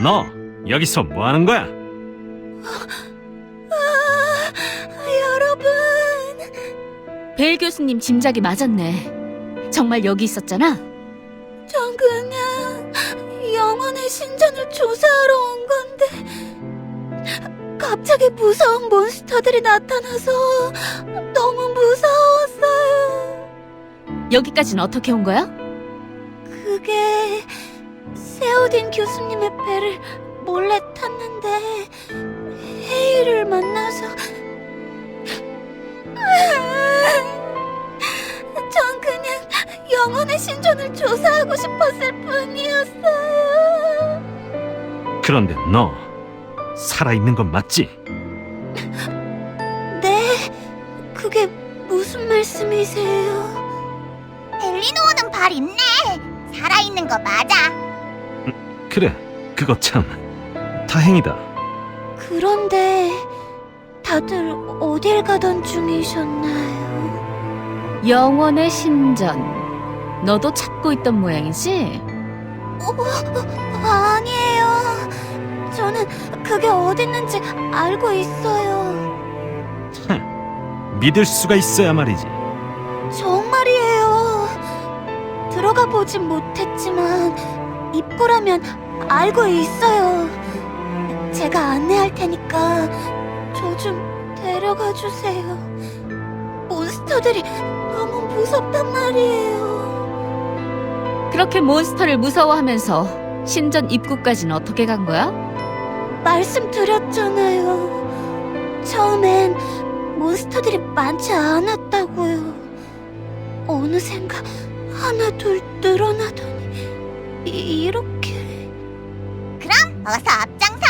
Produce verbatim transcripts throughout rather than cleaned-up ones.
너 여기서 뭐 하는 거야? 여러분, 베일 교수님 짐작이 맞았네. 정말 여기 있었잖아. 전 그냥 영혼의 신전을 조사하러 온 건데 갑자기 무서운 몬스터들이 나타나서 너무 무서웠어요. 여기까지는 어떻게 온 거야? 그게 세오딘 교수님의 배를 몰래 탔는데 헤이를 만나서 전 그냥 영혼의 신전을 조사하고 싶었을 뿐이었어요. 그런데 너 살아있는 건 맞지? 네? 그게 무슨 말씀이세요? 엘리노어는 발 있네. 살아있는 거 맞아. 그래, 그거 참 다행이다. 그런데 다들 어딜 가던 중이셨나요? 영원의 신전. 너도 찾고 있던 모양이지? 어, 아니에요. 저는 그게 어딨는지 알고 있어요. 믿을 수가 있어야 말이지. 정말이에요. 들어가 보진 못했지만 입구라면 알고 있어요. 제가 안내할 테니까 저 좀 데려가 주세요. 몬스터들이 너무 무섭단 말이에요. 그렇게 몬스터를 무서워하면서 신전 입구까지는 어떻게 간 거야? 말씀드렸잖아요. 처음엔 몬스터들이 많지 않았다고요. 어느샌가 하나 둘 늘어나더니 이- 이렇게. 그럼 어서 앞장서.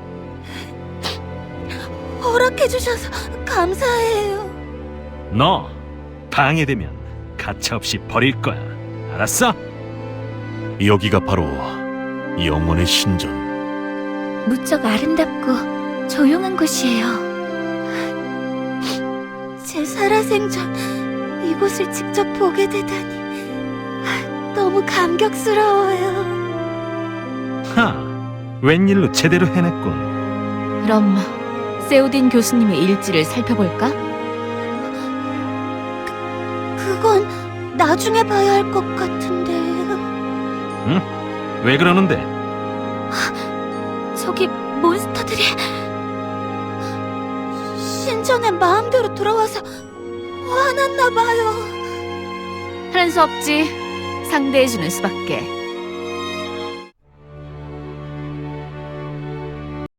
허락해주셔서 감사해요. 너 방해되면 가차없이 버릴 거야. 알았어? 여기가 바로 영혼의 신전. 무척 아름답고 조용한 곳이에요. 제 살아생전 이곳을 직접 보게 되다니 너무 감격스러워요. 하, 웬일로 제대로 해냈군. 그럼 세오딘 교수님의 일지를 살펴볼까? 그, 그건 나중에 봐야 할 것 같은데요. 응? 왜 그러는데? 저기 몬스터들이 신전에 마음대로 들어와서 화났나 봐요. 하는 수 없지. 상대해주는 수밖에.